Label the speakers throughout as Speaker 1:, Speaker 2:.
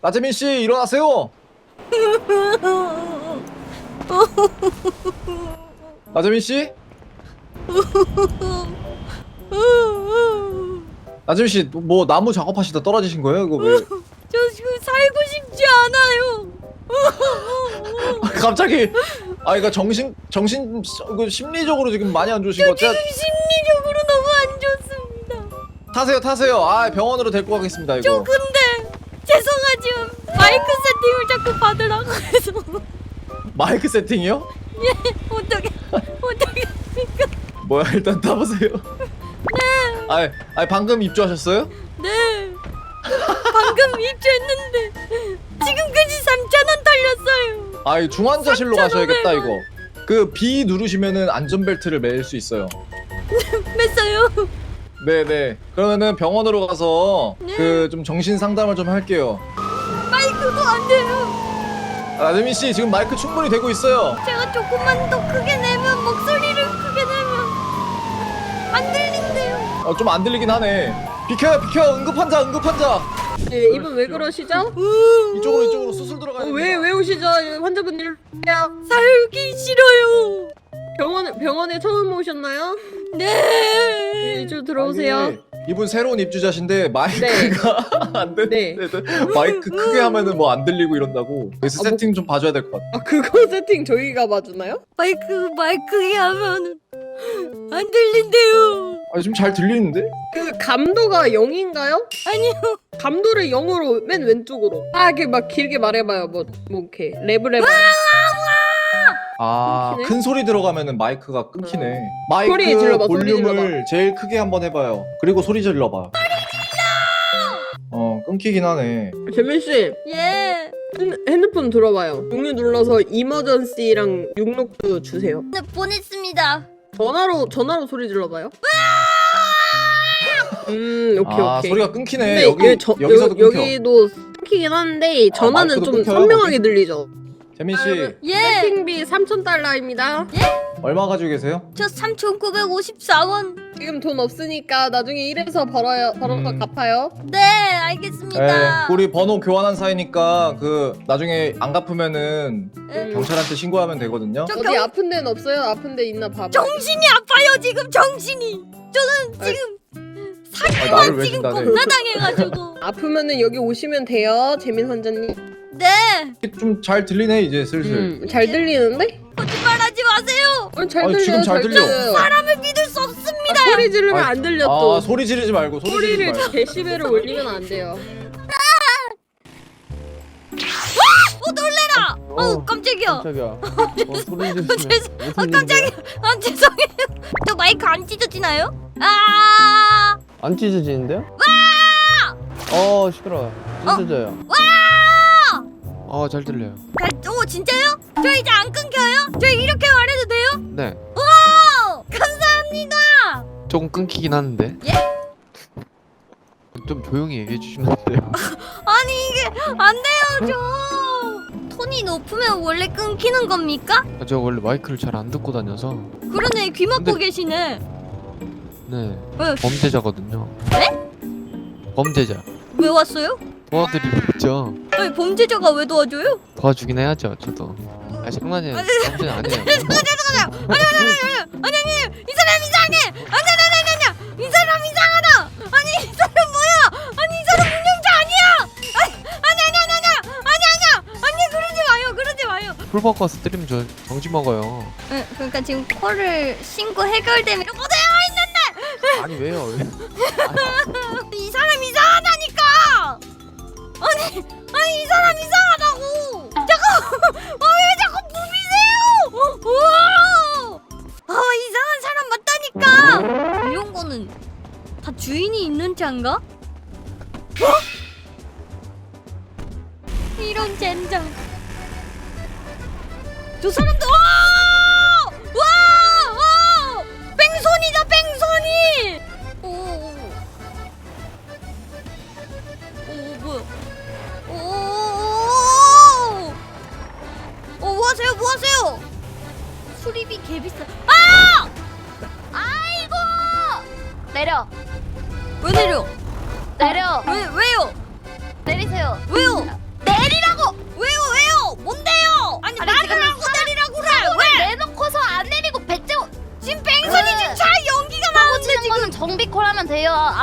Speaker 1: 나재민 씨 일어나세요. 나재민 씨? 나재민 씨 뭐 나무 작업하시다 떨어지신 거예요? 이거 왜?
Speaker 2: 저 지금 살고 싶지 않아요.
Speaker 1: 갑자기 이거 그 심리적으로 지금 많이 안 좋으신 것
Speaker 2: 지금
Speaker 1: 같아요.
Speaker 2: 심리적으로 너무 안 좋습니다.
Speaker 1: 타세요. 병원으로 데리고 가겠습니다.
Speaker 2: 저
Speaker 1: 이거.
Speaker 2: 근데 죄송하지만 마이크 세팅을 자꾸 받으라고 해서.
Speaker 1: 마이크 세팅이요?
Speaker 2: 예, 어떻게 합니까?
Speaker 1: 뭐야 일단 타보세요.
Speaker 2: 네.
Speaker 1: 방금 입주하셨어요?
Speaker 2: 네. 방금 입주했는데 지금까지 3,000원 털렸어요.
Speaker 1: 중환자실로
Speaker 2: 3,500원.
Speaker 1: 가셔야겠다 이거. 그 B 누르시면은 안전벨트를 맬 수 있어요.
Speaker 2: 맸어요.
Speaker 1: 네네. 그러면은 병원으로 가서
Speaker 2: 네.
Speaker 1: 그 좀 정신 상담을 좀 할게요.
Speaker 2: 마이크도 안 돼요.
Speaker 1: 나재민 씨 지금 마이크 충분히 되고 있어요.
Speaker 2: 제가 조금만 더 크게 내면 목소리를 크게 내면 안 들린대요.
Speaker 1: 좀 안 들리긴 하네. 비켜요 응급환자.
Speaker 3: 네, 이분 왜 그러시죠?
Speaker 1: 이쪽으로 수술 들어가야 됩니다.
Speaker 3: 왜 오시죠? 환자분 일로
Speaker 2: 살기 싫어요.
Speaker 3: 병원에 처음 오셨나요?
Speaker 2: 네.
Speaker 3: 이쪽으로 들어오세요.
Speaker 1: 이게 이분 새로운 입주자신데 마이크가 안 돼.
Speaker 3: 네.
Speaker 1: 마이크 크게 하면은 뭐 안 들리고 이런다고. 그래서 세팅 좀 봐줘야 될 것 같아.
Speaker 3: 그거 세팅 저희가 봐주나요?
Speaker 2: 마이크에 하면 안 들린대요.
Speaker 1: 지금 잘 들리는데?
Speaker 3: 그 감도가 0인가요?
Speaker 2: 아니요.
Speaker 3: 감도를 0으로 맨 왼쪽으로. 이렇게 막 길게 말해봐요. 뭐 이렇게 랩을 해봐요. 끊기네?
Speaker 1: 큰 소리 들어가면은 마이크가 끊기네. 마이크
Speaker 3: 소리 질러봐, 소리
Speaker 1: 볼륨을
Speaker 3: 질러봐.
Speaker 1: 제일 크게 한번 해봐요. 그리고 소리 질러봐. 끊기긴 하네.
Speaker 3: 재민 씨,
Speaker 2: 예.
Speaker 3: 핸드폰 들어봐요. 종류 눌러서 이머전시랑 육록도 주세요.
Speaker 2: 네, 보냈습니다.
Speaker 3: 전화로 소리 질러봐요. 오케이.
Speaker 1: 소리가 끊기네.
Speaker 3: 근데
Speaker 1: 여기서도 끊겨.
Speaker 3: 여기도 끊기긴 한데 전화는
Speaker 1: 마이크도
Speaker 3: 좀
Speaker 1: 끊겨요,
Speaker 3: 선명하게 들리죠.
Speaker 1: 재민 씨
Speaker 2: 예.
Speaker 3: 세팅비 3,000달러입니다.
Speaker 1: 얼마 가지고 계세요?
Speaker 2: 저 3,954원.
Speaker 3: 지금 돈 없으니까 나중에 일해서 벌어서 갚아요.
Speaker 2: 네, 알겠습니다.
Speaker 1: 우리 번호 교환한 사이니까 그 나중에 안 갚으면은
Speaker 2: 예.
Speaker 1: 경찰한테 신고하면 되거든요.
Speaker 2: 저
Speaker 3: 어디 아픈 데는 없어요? 아픈 데 있나 봐봐.
Speaker 2: 정신이 아파요 지금 정신이. 저는 지금 사기만
Speaker 1: 나를 왜
Speaker 2: 지금
Speaker 1: 진단해?
Speaker 2: 겁나 당해가지고.
Speaker 3: 아프면은 여기 오시면 돼요, 재민 환자님.
Speaker 2: 네.
Speaker 1: 좀 잘 들리네 이제 슬슬.
Speaker 3: 잘 들리는데?
Speaker 2: 거짓말하지 마세요.
Speaker 3: 잘 들려요.
Speaker 1: 지금 잘 들려.
Speaker 2: 사람을 믿을 수 없습니다.
Speaker 3: 소리 지르면 안 들려 또.
Speaker 1: 소리 지르지 말고
Speaker 3: 소리를 데시벨을 올리면 안 돼요.
Speaker 2: 놀래라. 깜짝이야.
Speaker 4: 깜짝이야. 소리 지르시면 무슨
Speaker 2: 깜짝이야.
Speaker 4: 일인데요?
Speaker 2: 죄송해요. 저 마이크 안 찢어지나요?
Speaker 4: 안 찢어지는데요? 시끄러워. 찢어져요. 잘 들려요.
Speaker 2: 오 진짜요? 저 이제 안 끊겨요? 저 이렇게 말해도 돼요?
Speaker 4: 네.
Speaker 2: 오 감사합니다.
Speaker 4: 조금 끊기긴 하는데.
Speaker 2: 예?
Speaker 4: 좀 조용히 얘기해 주시면 안 돼요?
Speaker 2: 아니 이게 안 돼요 저. 톤이 높으면 원래 끊기는 겁니까?
Speaker 4: 저 원래 마이크를 잘 안 듣고 다녀서.
Speaker 2: 그러네 귀 막고
Speaker 4: 근데-
Speaker 2: 계시네.
Speaker 4: 네.
Speaker 2: 네.
Speaker 4: 범죄자거든요.
Speaker 2: 네?
Speaker 4: 범죄자.
Speaker 2: 왜 왔어요?
Speaker 4: 도와드리러 왔죠.
Speaker 2: 아니 범죄자가 왜 도와줘요?
Speaker 4: 도와주긴 해야죠, 저도. 장난이에요. 범죄는 아니에요.
Speaker 2: 아니 이 사람 이상해. 아니 이 사람 이상하다. 아니 이 사람 뭐야? 아니 이 사람 운영자 아니야. 아니 그러지 마요.
Speaker 4: 풀버거스 때리면 저 정지 먹어요.
Speaker 2: 네, 그러니까 지금 콜을 신고 해결되면 못 해요 있는데
Speaker 4: 아니 왜요? 왜?
Speaker 2: 이 사람 이상하다니까. 아니 이 사람 이상하다고. 잠깐. 왜 자꾸 부비세요? 우와. 이상한 사람 맞다니까. 이런 거는 다 주인이 있는 차인가? 이런 젠장. 저 사람도 와! 뺑소니다 뺑소니. 오 뭐야? 뭐 하세요? 수리비 개비싸.
Speaker 5: 아이고! 내려!
Speaker 2: 왜 내려?
Speaker 5: 내려!
Speaker 2: 왜요?
Speaker 5: 내리세요!
Speaker 2: 왜요?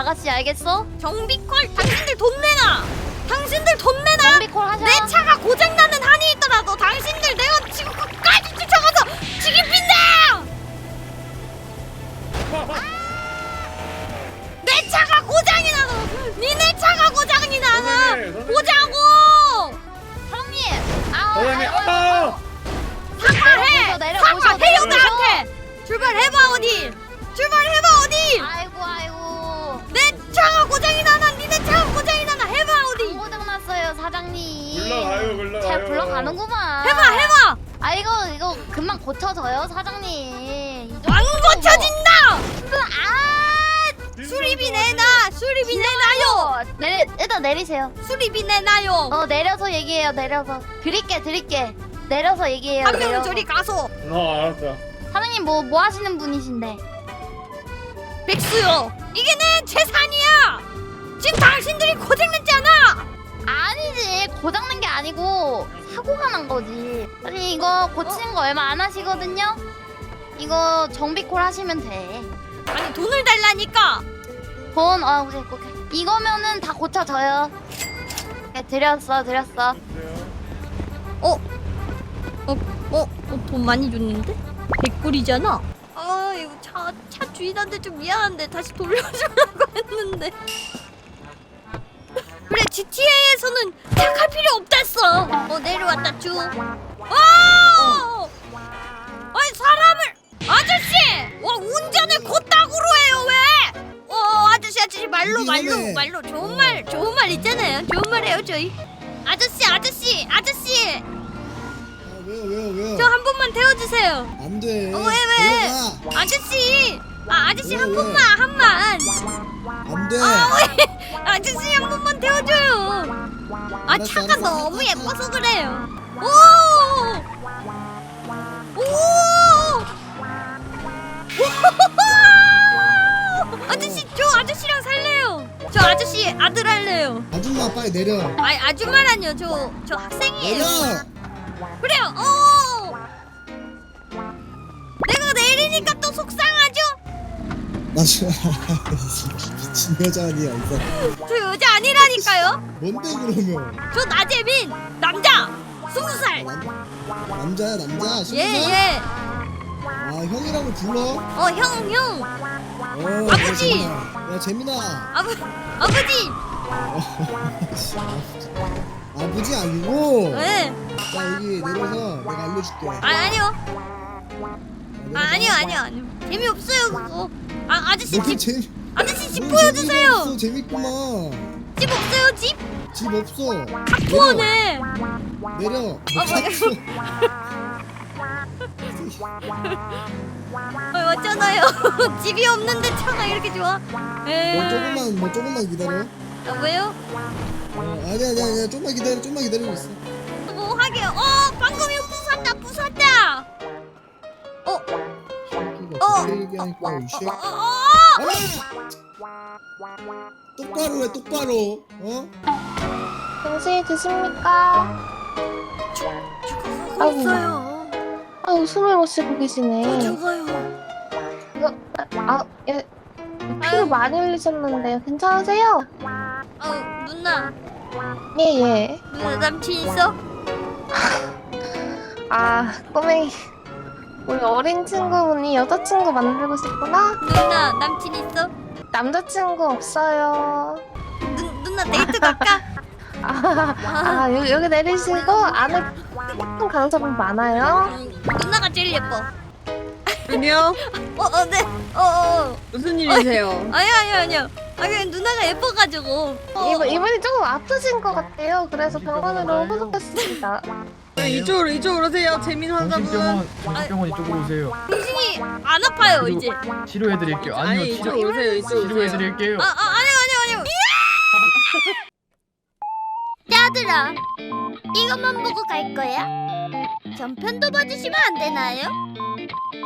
Speaker 5: 아가씨 알겠어?
Speaker 2: 정비콜 당신들 돈 내놔. 당신들 돈 내놔.
Speaker 5: 정비콜 하셔.
Speaker 2: 내 차가 고장나는 한이 있더라도 당신들 내가 지금 끝까지 쫓아가서 죽입힌다. 내 차가 고장이 나서 니네 차가 고장이 나서 보자고.
Speaker 5: 사장님. 아우.
Speaker 6: 사장님,
Speaker 2: 사과해.
Speaker 5: 내려보셔,
Speaker 2: 사과해요
Speaker 5: 내려보셔.
Speaker 2: 나한테. 출발해봐 어디. 출발해봐 어디.
Speaker 5: 아이고.
Speaker 2: 내 차가 고장이 나나 니네 차가 고장이 나나 해봐 어디.
Speaker 5: 고장 났어요 사장님.
Speaker 6: 불러가요.
Speaker 5: 잘 불러가는구만.
Speaker 2: 해봐.
Speaker 5: 아 이거 금방 고쳐져요 사장님. 이 정도면
Speaker 2: 안 고쳐진다.
Speaker 5: 아
Speaker 2: 수리비 내놔. 수리비 내놔요.
Speaker 5: 일단 내리세요.
Speaker 2: 수리비 내놔요.
Speaker 5: 내려서 얘기해요. 내려서 드릴게. 내려서 얘기해요.
Speaker 2: 한 명은
Speaker 5: 내려서.
Speaker 2: 저리 가서.
Speaker 6: 알았어.
Speaker 5: 사장님 뭐 하시는 분이신데?
Speaker 2: 백수요. 이게 내 재산이야. 지금 당신들이 고생냈잖아.
Speaker 5: 아니지 고장난 게 아니고 사고가 난 거지. 아니 이거 고치는 거 얼마 안 하시거든요. 이거 정비콜 하시면 돼.
Speaker 2: 아니 돈을 달라니까.
Speaker 5: 돈 오케이. 이거면은 다 고쳐져요. 네, 드렸어.
Speaker 2: 돈 많이 줬는데? 100불이잖아. 아 이거 차 주인한테 좀 미안한데 다시 돌려주려고 했는데. 그래 GTA에서는 착할 필요 없댔어. 내려왔다 쭈. 아니 사람을 아저씨. 와 운전을 곧다구로 해요 왜? 아저씨 말로 좋은 말 있잖아요. 좋은 말 해요 저희. 아저씨.
Speaker 7: 왜요?
Speaker 2: 저 한 번만 태워주세요.
Speaker 7: 안 돼.
Speaker 2: 왜?
Speaker 7: 들어가.
Speaker 2: 아저씨 한
Speaker 7: 왜?
Speaker 2: 번만.
Speaker 7: 안 돼.
Speaker 2: 왜? 아저씨 한 번만 태워줘요.
Speaker 7: 알았어,
Speaker 2: 차가
Speaker 7: 알았어.
Speaker 2: 너무 예뻐서 그래요. 아저씨 저 아저씨랑 살래요. 저 아저씨 아들 할래요.
Speaker 7: 아줌마 빨리 내려.
Speaker 2: 아줌마라뇨. 저 학생이에요.
Speaker 7: 내려.
Speaker 2: 그래요. 내가 내리니까 또 속상하죠?
Speaker 7: 나 지금 미친 여자 아니야 이 사람.
Speaker 2: 저 여자 아니라니까요.
Speaker 7: 뭔데 그러면?
Speaker 2: 저 나재민 남자 20살.
Speaker 7: 남자야 남자. 20살?
Speaker 2: 예.
Speaker 7: 아 형이라고 불러?
Speaker 2: 형. 아버지.
Speaker 7: 야 재민아.
Speaker 2: 아버지.
Speaker 7: 아버지 아니고.
Speaker 2: 예.
Speaker 7: 나 여기 내려서 내가 알려줄게.
Speaker 2: 아니요.
Speaker 7: 내려서
Speaker 2: 아니요. 재미없어요 그거. 아저씨
Speaker 7: 뭔
Speaker 2: 집 아저씨 집
Speaker 7: 뭔
Speaker 2: 보여주세요.
Speaker 7: 재미가 없어, 재밌구만.
Speaker 2: 집 없어요 집?
Speaker 7: 집 없어.
Speaker 2: 부원해.
Speaker 7: 내려.
Speaker 2: 맞잖아요. 집이 없는데 차가 이렇게 좋아?
Speaker 7: 뭐 조금만 기다려.
Speaker 2: 왜요?
Speaker 7: 아니야 좀만 기다리고 있어.
Speaker 2: 뭐 하게요? 방금 이거 부쉈다.
Speaker 7: 그렇게 얘기하니까 이 새끼. 똑바로 해 똑바로.
Speaker 8: 당신이 드십니까?
Speaker 2: 없어요.
Speaker 8: 아우 숨을 못 쉬고 계시네.
Speaker 2: 죽어요.
Speaker 8: 이거 예, 피를 많이 흘리셨는데요. 괜찮으세요?
Speaker 2: 누나
Speaker 8: 예.
Speaker 2: 남친 있어?
Speaker 8: 아 꼬맹이 우리 어린 친구분이 여자친구 만들고 싶구나?
Speaker 2: 누나 남친 있어?
Speaker 8: 남자친구 없어요.
Speaker 2: 누나 데이트 갈까?
Speaker 8: 여기 내리시고 안에 예쁜 강사분 많아요.
Speaker 2: 누나가 제일 예뻐.
Speaker 3: 아니요.
Speaker 2: 네.
Speaker 3: 무슨 일이세요?
Speaker 2: 아니요. 그냥 누나가 예뻐가지고.
Speaker 8: 이분이 조금 아프신 것 같아요. 그래서 병원으로 후속했습니다.
Speaker 3: 이쪽으로 오세요. 재민 환자분.
Speaker 1: 정신병원 이쪽으로 오세요.
Speaker 2: 당신이 안 아파요 이제.
Speaker 1: 치료해드릴게요.
Speaker 3: 아니 이쪽으로 오세요.
Speaker 1: 치료해드릴게요.
Speaker 2: 아니요. 야들아, 이것만 보고 갈 거야? 전편도 봐주시면 안 되나요?